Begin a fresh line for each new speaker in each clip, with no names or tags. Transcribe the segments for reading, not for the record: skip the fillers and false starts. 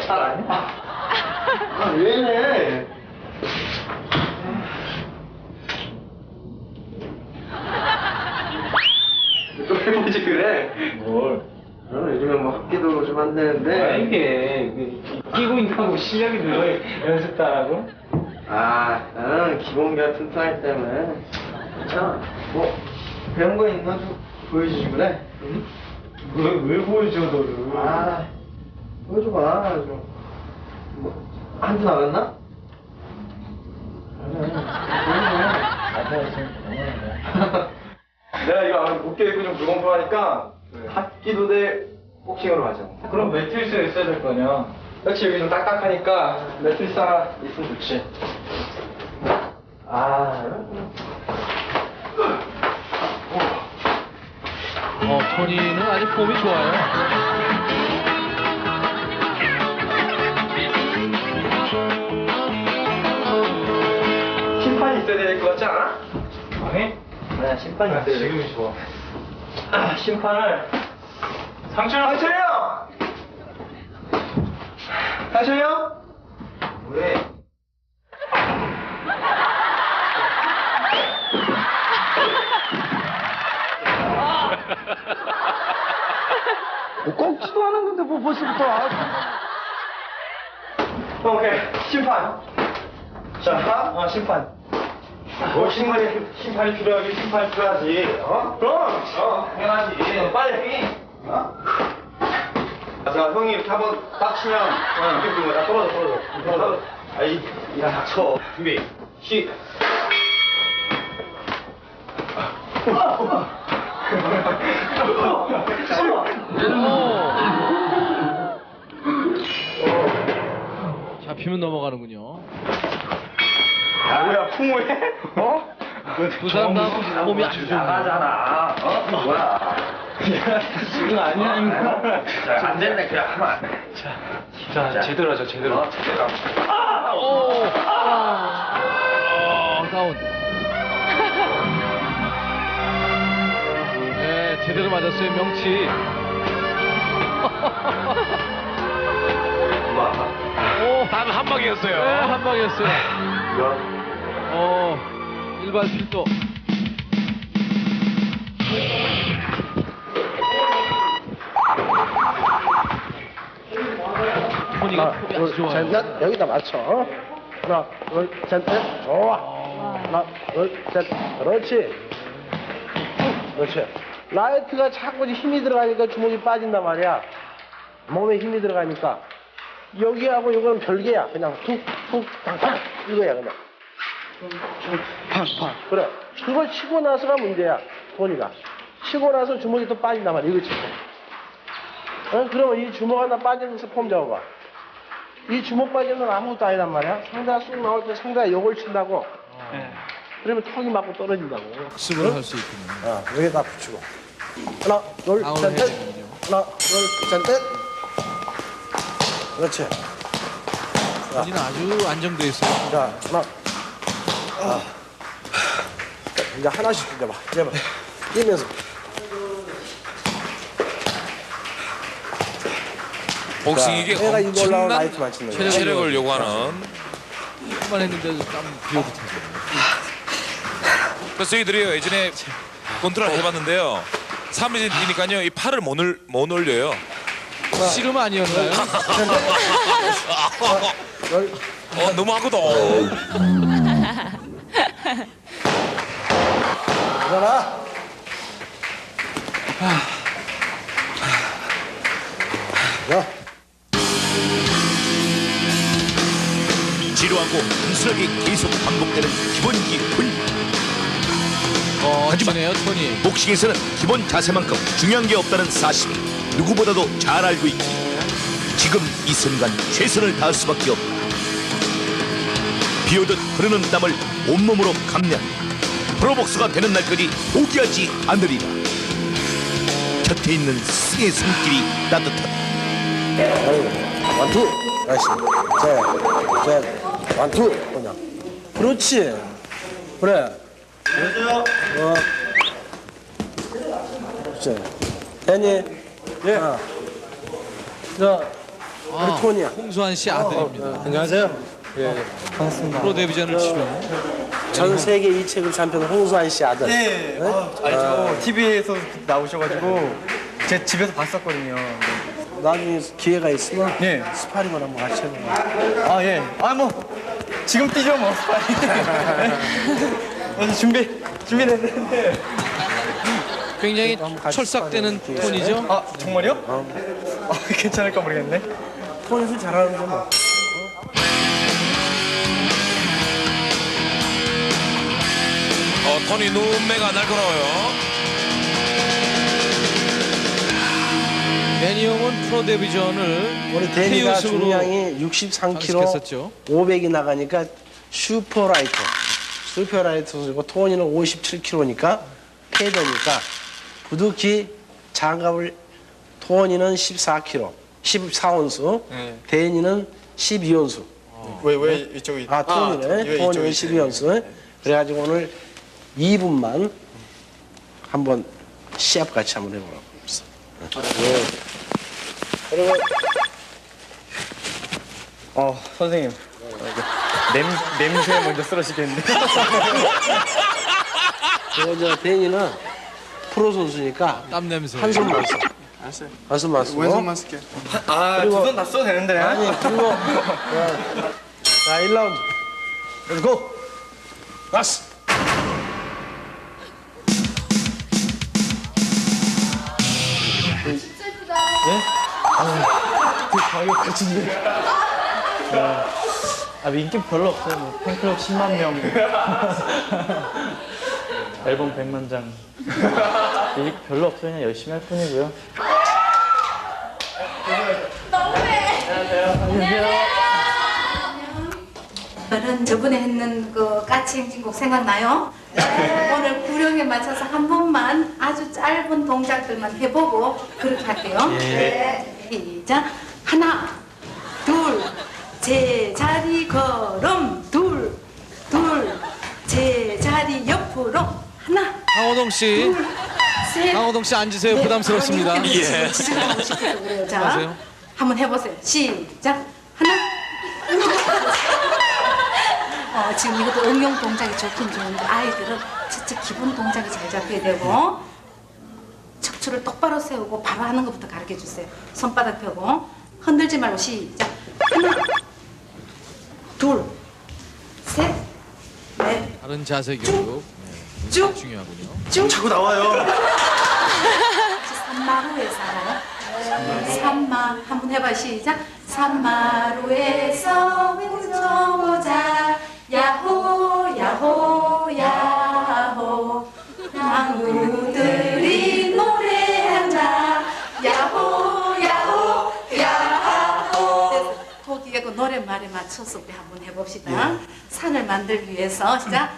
왜 이래? 또 해보지 그래?
뭘?
요즘에 뭐 학기도 좀 안 되는데.
이게 끼고 있다고 실력이 늘어 연습도 안 하고?
나는 기본기가 튼튼하기 때문에 괜찮아. 뭐 배운 거 있나 좀 보여주지 그래? 응?
왜 보여줘 너를?
보여줘봐 좀. 뭐 한두 나갔나? 내가 이거 어깨 입고 좀 불공평하니까 학기도 대 복싱으로 하자.
그럼 매트리스가 있어야 될 거냐?
그렇지, 여기 좀 딱딱하니까 매트리스 하나 있으면 좋지.
토니는 아주 폼이 좋아요.
심판이 있어야 될 것 같지 않아?
아니?
네, 심판이 있어야 돼.
지금이 좋아.
심판을
상철!
상철이 형! 상철이 형? 왜?
뭐 꺾지도 않은 건데 뭐 벌써부터
오케이, 심판. 자, 심판. 심판이 필요하긴 심판이 필요하지. 그럼. 당연하지. 빨리. 자, 형이 이렇게 한번 딱 치면 이렇게 부는 거야. 떨어져. 야, 닥쳐. 준비.
잡히면 넘어가는군요.
뭐야, 풍우해?
두 사람 다 폼이 아주 좋네요.
나가잖아. 뭐야?
지금 아니야 이거.
안 된다, 그냥 하면 안 돼.
자, 제대로 하자 제대로.
다운. 네, 제대로 맞았어요, 명치.
단 한 방이었어요.
네, 한 방이었어요. 일발 필도. 토니가 폼이 아주 좋아요.
넷 여기다 맞춰. 하나 둘셋넷 좋아. 하나 둘셋 그렇지. 라이트가 자꾸 힘이 들어가니까 주먹이 빠진단 말이야. 몸에 힘이 들어가니까 여기하고 이거는 별개야. 그냥 툭툭 탕탕 이거야 그냥. 팍팍 그래. 그걸 치고 나서가 문제야. 토니가 치고 나서 주먹이 또 빠진단 말이야. 이거 치고. 그러면 이 주먹 하나 빠지는 것을 폼 잡아봐. 이 주먹 빠지는 건 아무것도 아니란 말이야. 상대가 쑥 나올 때 상대가 요걸 친다고. 그러면 턱이 맞고 떨어진다고.
학습을 할 수 있군요.
여기다 붙이고. 하나, 둘,
다운을
셋,
해야
넷.
되는군요.
하나, 둘, 셋, 넷. 그렇지.
토니는 아주 안정돼 있어요.
자, 하나. 이제 하나씩 던져봐. 제발. 뛰면서.
복싱이 이게
내가 이거 올라온
엄청난
라이트만 치는 거야.
체력을 요구하는.
한번 했는데도 땀 비어듯하죠.
그래서 저희들이 예전에 컨트롤 해봤는데요. 3일이니까요. 이 팔을 못 올려요.
씨름 아니었나요?
너무 하거든.
일어나. 야.
지루하고 단순하게 계속 반복되는 기본기 훈련.
하지만 토니.
복싱에서는 기본 자세만큼 중요한 게 없다는 사실을 누구보다도 잘 알고 있기. 지금 이 순간 최선을 다할 수밖에 없다. 비오듯 흐르는 땀을 온몸으로 감내하며 프로복서가 되는 날까지 포기하지 않으리라. 곁에 있는 승의 손길이 따뜻하다.
원투. 다시. 셋. 원투. 그냥. 그렇지. 그래.
안녕하세요.
그렇지. 됐니? 예. 자, 우리 톤이야.
홍수환 씨 아들입니다.
안녕하세요. 예, 반갑습니다.
프로 데뷔전을 치른
전 세계 이 책을 샴피언 홍수환 씨 아들.
네, 알죠. TV에서 나오셔가지고 제 집에서 봤었거든요.
나중에 기회가 있으면
네.
스파링을 한번 같이 해봐.
아 예. 아 뭐 지금 뛰죠 뭐. 그래서 준비됐는데.
굉장히
같이
철삭되는
스파링
톤이죠.
아 정말요? 아, 괜찮을까 모르겠네.
톤이 잘하는데 뭐.
토니 눈매가 날카로워요.
매니엄은 프로 데뷔전을
우리 데니가
KO 승으로
중량이 63kg,
장식했었죠.
500이 나가니까 슈퍼라이터고 토니는 57kg니까 패더니까 부득이 장갑을 토니는 14kg, 14온수,
네.
데니는 12온수.
왜 이쪽이?
아, 토니네. 토니는 12온수. 그래가지고 오늘 2분만 한번 시합 같이 한번 해보라고. 네. 그리고
선생님. 냄새 먼저 쓰러지겠는데.
저 데니는 프로 선수니까
땀 냄새.
한손만 써. 한손만 쓰고.
왼손만 쓸게요. 아, 두 손 다 써도 되는데.
아니, 그리고 자, 1라운드. Let's go. 가스.
가격 거친데. 아, 인기 별로 없어요. 뭐, 팬클럽 10만 명. 앨범 100만 장. 인기 별로 없어요. 그냥 열심히 할 뿐이고요.
저는 저번에 했는 그 까치 행진곡 생각나요? 오늘 구령에 맞춰서 한 번만 아주 짧은 동작들만 해보고 그렇게 할게요. 시작. 하나, 둘, 제자리 걸음, 둘, 제자리 옆으로, 하나,
강호동 씨,
셋.
강호동 씨 앉으세요. 부담스럽습니다.
예. 자,
하세요.
한번 해보세요. 시작. 하나. 지금 이것도 응용 동작이 좋긴 좋은데 아이들은 첫째 기본 동작이 잘 잡혀야 되고 척추를 똑바로 세우고 바로 하는 것부터 가르쳐 주세요. 손바닥 펴고 흔들지 말고 시작. 하나, 둘, 셋, 넷,
다른 자세 교육
쭉,
중요하군요.
쭉.
자꾸 나와요.
산마루에 살아요. 산마 한번 해봐. 시작. 산마루에서 외쳐보자. 야호 야호 야호 나무들이 노래한다. 야호 야호 야호. 거기에 그 노랫말에 맞춰서 우리 한번 해봅시다. 산을 만들기 위해서 시작.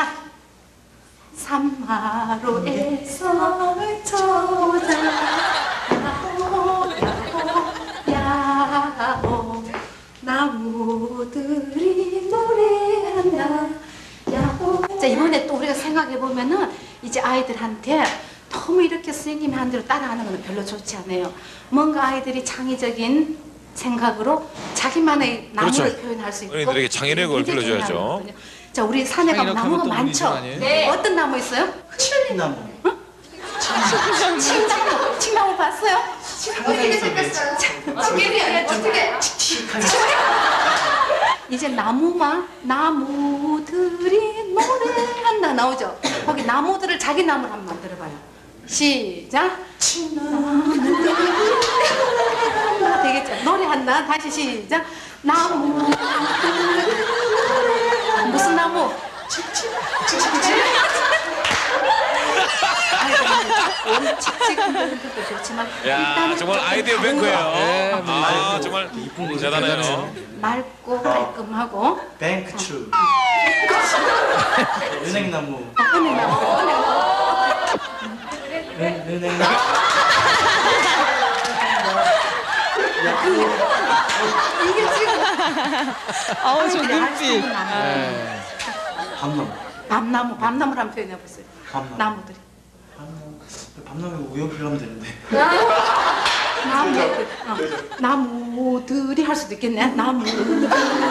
산마루에서 외쳐보자. 야호 야호 야호 나무들이 노래한다. 야호. 자, 이번에 또 우리가 생각해보면은 이제 아이들한테 너무 이렇게 선생님이 한 대로 따라하는 건 별로 좋지 않아요. 뭔가 아이들이 창의적인 생각으로 자기만의 나무를
그렇죠.
표현할 수 있고
어린이들에게 창의력을
굉장히
길러줘야죠.
중요하거든요. 자, 우리 산에 가면
창의력 하면
나무가
또
많죠?
문제 아니에요?
네. 어떤 나무 있어요? 칠리나무. 칡나무 봤어요? 어떻게 생겼어요? 어떻게? 이제 나무들이 노래한다 나오죠? 거기 나무들을 자기 나무를 한번 만들어봐요. 시작. 나무들이 노래한다. 되겠죠? 노래한다. 다시 시작. 나무. 무슨 나무? 칙칙도 좋지만
야, 정말 아이디어 뱅크예요.
네,
아, 정말 대단해요.
맑고 깔끔하고
뱅크추. 은행나무. 은행나무.
이게 지금
아우, 저 눈빛.
밤나무를 한번 표현해보세요. 나무들이.
밤나무 우연필 하면 되는데.
나무들이 할 수도 있겠네. 나무들이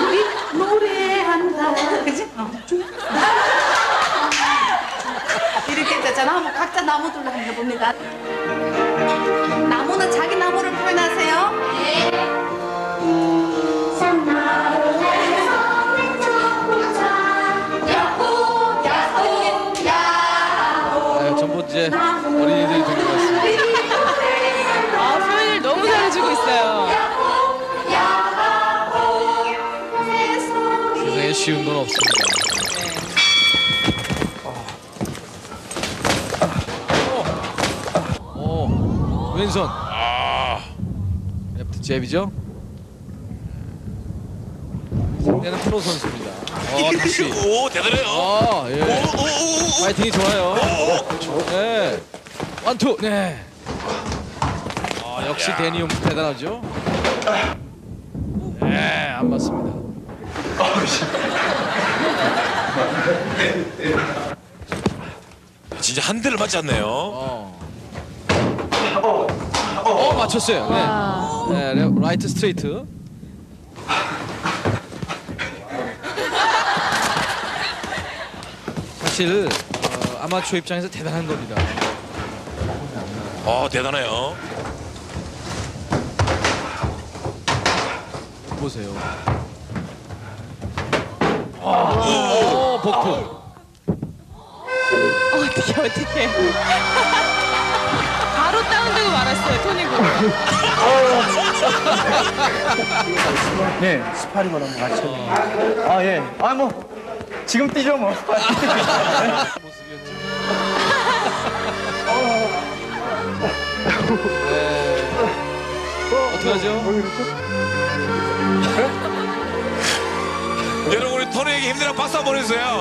노래한다. 그지? 이렇게 되잖아. 한번 각자 나무들로 한번 해봅니다. 나무는 자기 나무를 표현하세요. 네.
네, 전부 이제 어린이들이 된 것 같습니다.
아, 표현을 너무 잘해주고 있어요.
세상에 쉬운 건 없습니다. 오, 왼손. 레프트 잽이죠? 상대는 프로 선수입니다. 다시.
오 대단해요.
예. 파이팅이 좋아요. 네. 원투. 네. 역시 데니움 대단하죠? 네, 안 맞습니다.
진짜 한 대를 맞지 않네요.
맞췄어요. 네. 네, 라이트 스트레이트. 사실 아마추어 입장에서 대단한 겁니다.
대단해요.
보세요. 오, 복부.
어떻게. 바로 다운되고 말았어요, 토니고.
네, 스파링을 한번 같이 해볼게요. 아, 예. 아, 뭐, 지금 뛰죠, 뭐.
모습이었죠. 어떻게 하죠?
여러분 우리 토니에게 힘내라고 박수 한번 해주세요.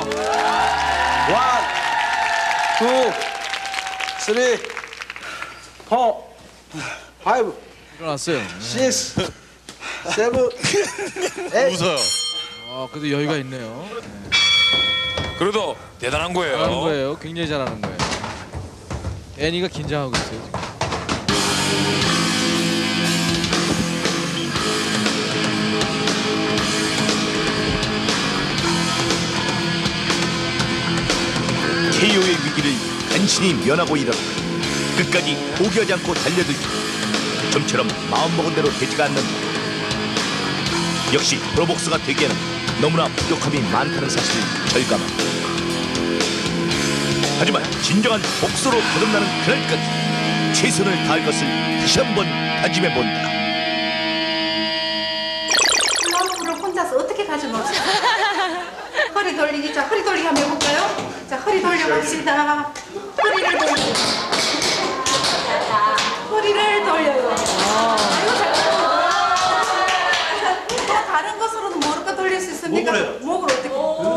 1, 2, 3, 4, 5,
일어났어요.
6, 7, 8.
웃어요.
그래도 여유가 있네요.
그래도 대단한 거예요.
잘하는 거예요. 굉장히 잘하는 거예요. 애니가 긴장하고 있어요, 지금.
KO의 위기를 간신히 면하고 일어나 끝까지 포기하지 않고 달려들기. 좀처럼 마음먹은 대로 되지가 않는다. 역시 프로복서가 되기에는 너무나 부족함이 많다는 사실을 절감한다. 하지만 진정한 복서로 거듭나는 그날까지 최선을 다할 것을 다시 한번 다짐해본다.
플라워를 혼자서 어떻게 가져놓을 수 있어요? 허리 돌리기. 자, 허리 돌리기 한번 해볼까요? 자, 허리 돌려봅시다. 허리를 돌려. 허리를 돌려요. 아이고, 잘한다. 다른 것으로는 뭐로 돌릴 수 있습니까? 목을 어떻게?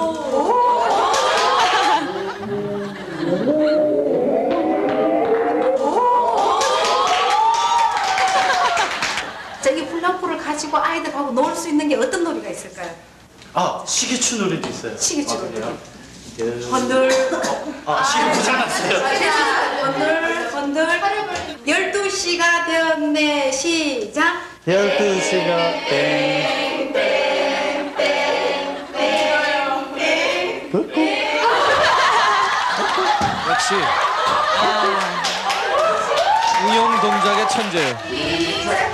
자, 이 플라포를 가지고 아이들하고 놀 수 있는 게 어떤 놀이가 있을까요?
아, 시계추 놀이도 있어요.
시계추 놀이. 건들.
시계 고장났어요.
건들. 12시가 되었네. 시작.
12시가 땡.
역시 응용 동작의 천재예요.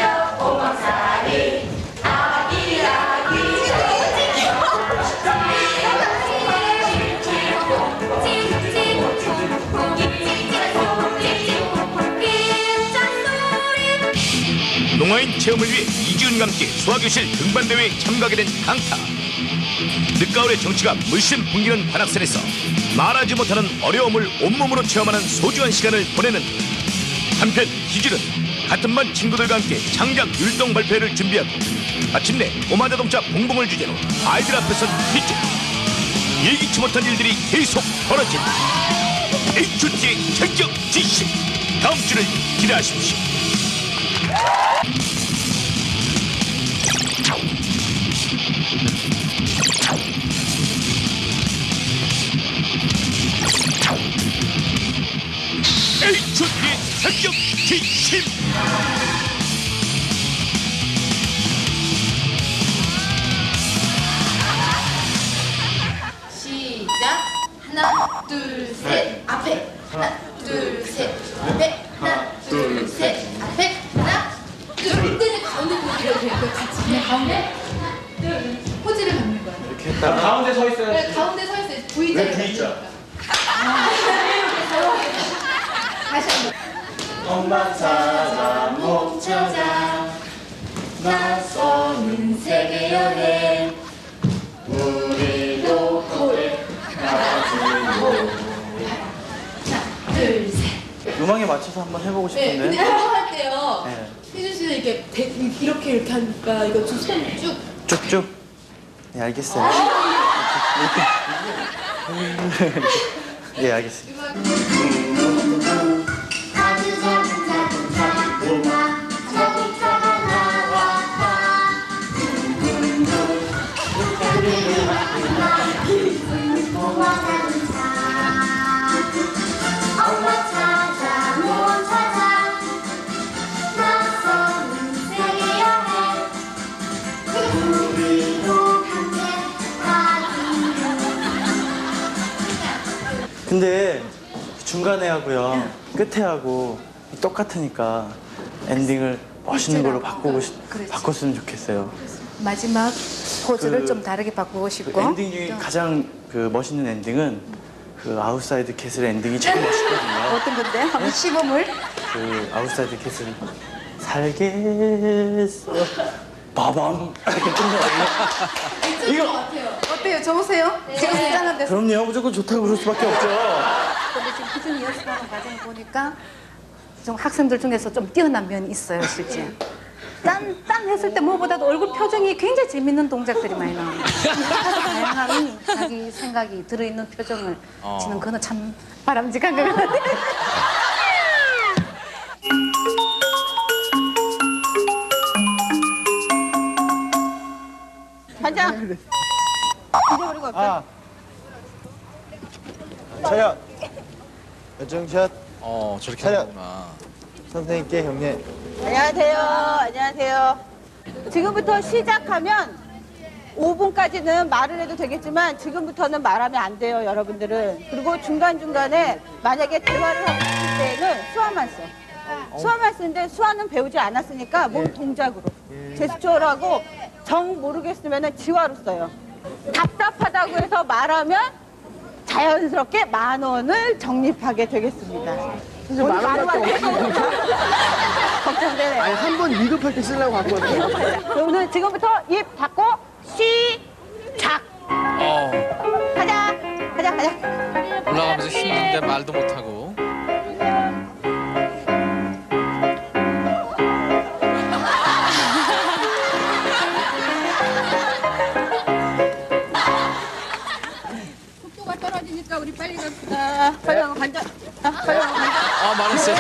농아인 체험을 위해 이지은과 함께 수화교실 등반대회에 참가하게 된 강타. 늦가을의 정치가 물씬 풍기는 관악산에서 말하지 못하는 어려움을 온몸으로 체험하는 소중한 시간을 보내는 한편 희준은 같은 반 친구들과 함께 창작 율동 발표회를 준비하고 마침내 꼬마자동차 봉봉을 주제로 아이들 앞에서 퀴즈. 예기치 못한 일들이 계속 벌어진다. HOT의 전격 지시. 다음 주를 기대하십시오. HOT의 전격 지시.
둘, 셋, 앞에. 하나, 둘, 셋, 앞에. 하나, 둘. 이때는 가운데 포즈를 그 같이 그냥 가운데. 둘. 포즈를 갖는 거야.
이렇게 했다가 가운데 서 있어요.
네, 가운데 서 있어요. V자를
V자?
다시 한번.
엄마 찾아 못
찾아 나서는 세계 여행 우리도 고래 가지고 하나 둘셋
음악에 맞춰서 한번 해보고
네,
싶은데.
근데 이거 할 때요
네.
혜준 씨는 이렇게 하니까 이거 손쭉
쭉쭉. 네, 알겠어요. 예, 알겠습니다.
아주 작은 작은 자동차가 나왔다 고마 자동차 엄마 찾아 못 찾아 나서는 세계 여행 우리도 함께
근데 중간에 하고요, 끝에 하고 똑같으니까 엔딩을 멋있는 걸로 바꿨으면 좋겠어요.
마지막 포즈를
그-
좀 다르게 바꾸고
그
싶고.
엔딩 중에 가장 그 멋있는 엔딩은 그 아웃사이드 캐슬 엔딩이 제일 멋있거든요.
어떤 건데? 한번 시범을.
그 아웃사이드 캐슬 살겠어 빠밤 이렇게 끝나거든요. 이거
어때요? 좋으세요? 지금 쓰자는 데서.
그럼요, 무조건 좋다고 그럴 수밖에 없죠.
근데 지금 꾸준히 연습하는 과정을 보니까 좀 학생들 중에서 좀 뛰어난 면이 있어요, 실제. 딴 했을 때 무엇보다도 얼굴 표정이 굉장히 재밌는 동작들이 많이 나옵니다. 다양한 자기 생각이 들어있는 표정을 지는 그는 참 바람직한 것 같아요.
반장. 잊어버리고 없어.
차렷. 열정샷.
저렇게
차렷.
하는구나.
선생님께 경례.
안녕하세요. 안녕하세요. 지금부터 시작하면 5분까지는 말을 해도 되겠지만 지금부터는 말하면 안 돼요, 여러분들은. 그리고 중간중간에 만약에 대화를 하고 싶을 때는 수화만 써. 수화만 쓰는데 수화는 배우지 않았으니까 몸 동작으로. 제스처를 하고 정 모르겠으면 지화로 써요. 답답하다고 해서 말하면 자연스럽게 10,000원을 적립하게 되겠습니다.
선생님 만 원밖에 없어요.
걱정되네요.
아니 한 번 위급할 때 쓰려고 갖고 왔어요.
오늘 지금부터 입 닫고 시작. 가자.
올라가면서 힘든데 말도 못하고.
속도가 떨어지니까 우리 빨리 갑시다. 빨리 가고 간다. 빨리 가고 간다.
말했어요.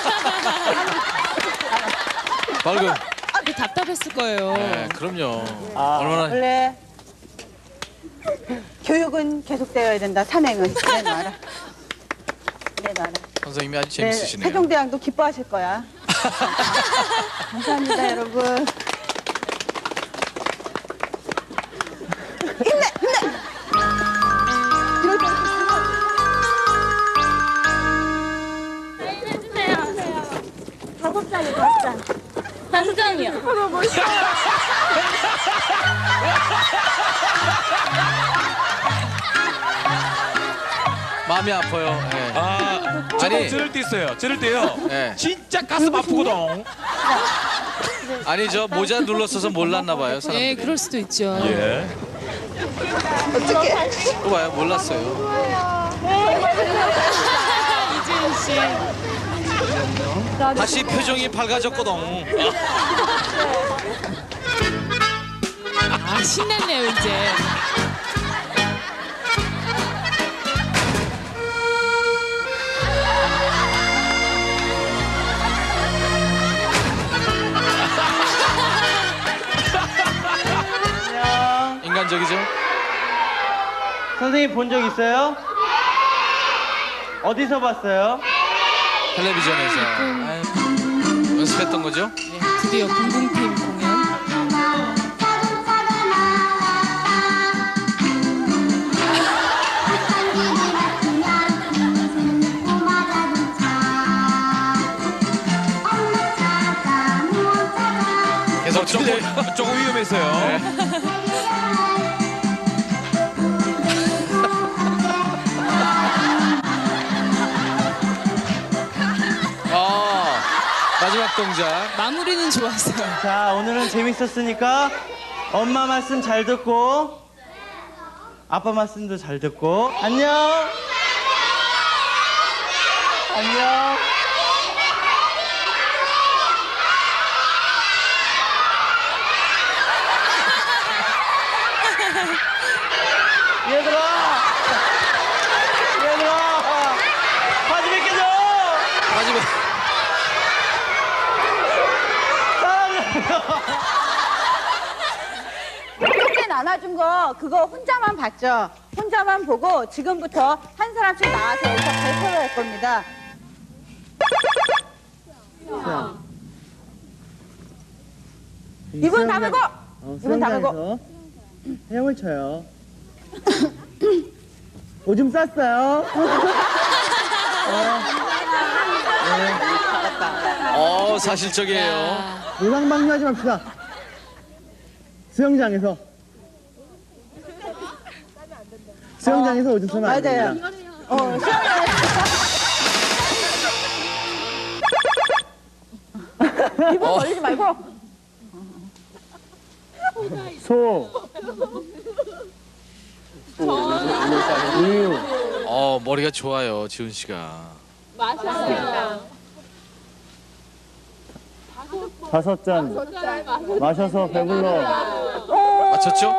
발금.
답답했을 거예요.
네, 그럼요. 얼마나.
원래 교육은 계속되어야 된다. 산행은. 내놔라.
선생님이 아주
네,
재밌으시네요.
세종대왕도 기뻐하실 거야. 감사합니다, 여러분. 힘내! 이럴 때
마음이 아파요. 네.
아니 저럴 때 있어요. 저럴 때요.
네.
진짜 가슴 아프거든.
아니 저 모자 눌렀어서 몰랐나 봐요. 사람들이.
네, 그럴 수도 있죠.
예.
또 봐요. 몰랐어요.
이지은 씨.
다시 표정이 밝아졌거든.
신났네요, 이제.
인간적이죠?
선생님 본 적 있어요? 어디서 봤어요?
텔레비전에서. 아유, 연습했던 거죠?
네, 드디어 공공팀 공연.
보세요.
마지막 동작.
마무리는 좋았어요.
자, 오늘은 재밌었으니까 엄마 말씀 잘 듣고 아빠 말씀도 잘 듣고 안녕. 안녕. 얘들아. 바지 벗겨줘.
마지막.
그때 나눠준 거 그거 혼자만 봤죠? 혼자만 보고 지금부터 한 사람씩 나와서 여기서 발표를 할 겁니다. 이분 다물고! 이분 다물고!
헤엄을 쳐요. 오줌 쌌어요.
사실적이에요.
노상방뇨하지 맙시다. 수영장에서 오줌 싸면 안
맞아요.
됩니다.
이분 걸리지 말고!
우유. 머리가 좋아요, 지훈 씨가.
다섯 잔 마셔서 배불러.
맞췄죠?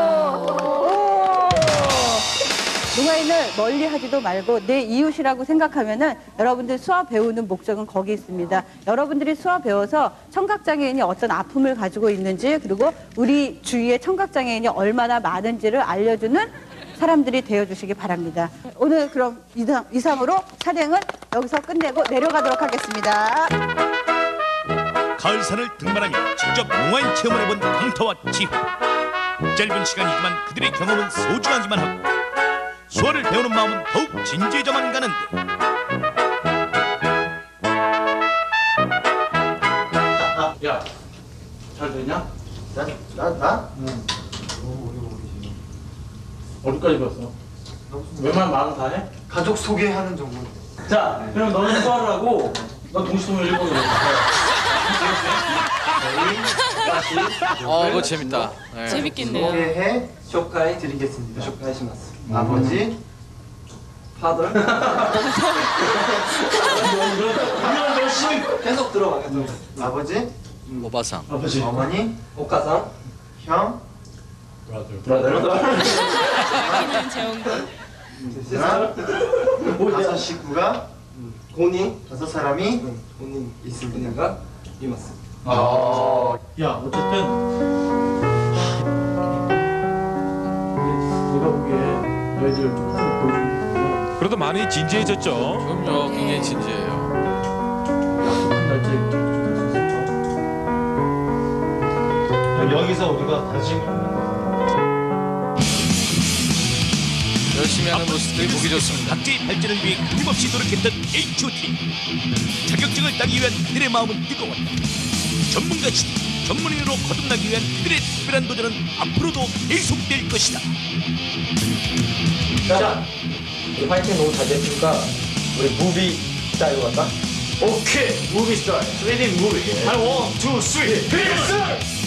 농아인을 멀리 하지도 말고 내 이웃이라고 생각하면은 여러분들 수학 배우는 목적은 거기 있습니다. 여러분들이 수학 배워서 청각장애인이 어떤 아픔을 가지고 있는지 그리고 우리 주위에 청각장애인이 얼마나 많은지를 알려주는 사람들이 되어주시기 바랍니다. 오늘 그럼 이상으로 촬영은 여기서 끝내고 내려가도록 하겠습니다.
가을산을 등반하며 직접 농아인 체험을 해본 강타와 지훈. 짧은 시간이지만 그들의 경험은 소중하기만 하고 수어를 배우는 마음은 더욱 진지해져만 가는데
야, 잘 되냐?
나?
어디까지 봤어? 웬만한 말은 다 해?
가족 소개하는 정도.
자, 그럼 너는 수화를 하고 너 동시통일 읽어줘.
그거 재밌다. 네.
재밌겠네요.
소개해 쇼카이 드리겠습니다. 쇼카이 시마스. 아버지, 파더. 열심히 계속 들어가. 아버지,
오바상.
어머니, 오카상, 형,
아끼는 재홍군.
다섯 식구가 다섯 사람이 있습니다.
야, 어쨌든 내가 보기에 너희들 좀 보여주는
그래도 많이 진지해졌죠.
그럼요, 굉장히 진지해요.
약속한 날짜에
여기서 우리가 다시
열심히 하는 모습들이 보기 좋습니다.
각자의 발전을 위해 끊임없이 노력했던 H.O.T. 자격증을 따기 위한 그들의 마음은 뜨거웠다. 전문가 시대, 전문인으로 거듭나기 위한 그들의 특별한 도전은 앞으로도 계속될 것이다.
자, 우리 파이팅 너무 잘 됐으니까 우리 무비 스타일로 갈까? 오케이, 무비 스타일. 3D 무비. 1, 2, 3, 필승!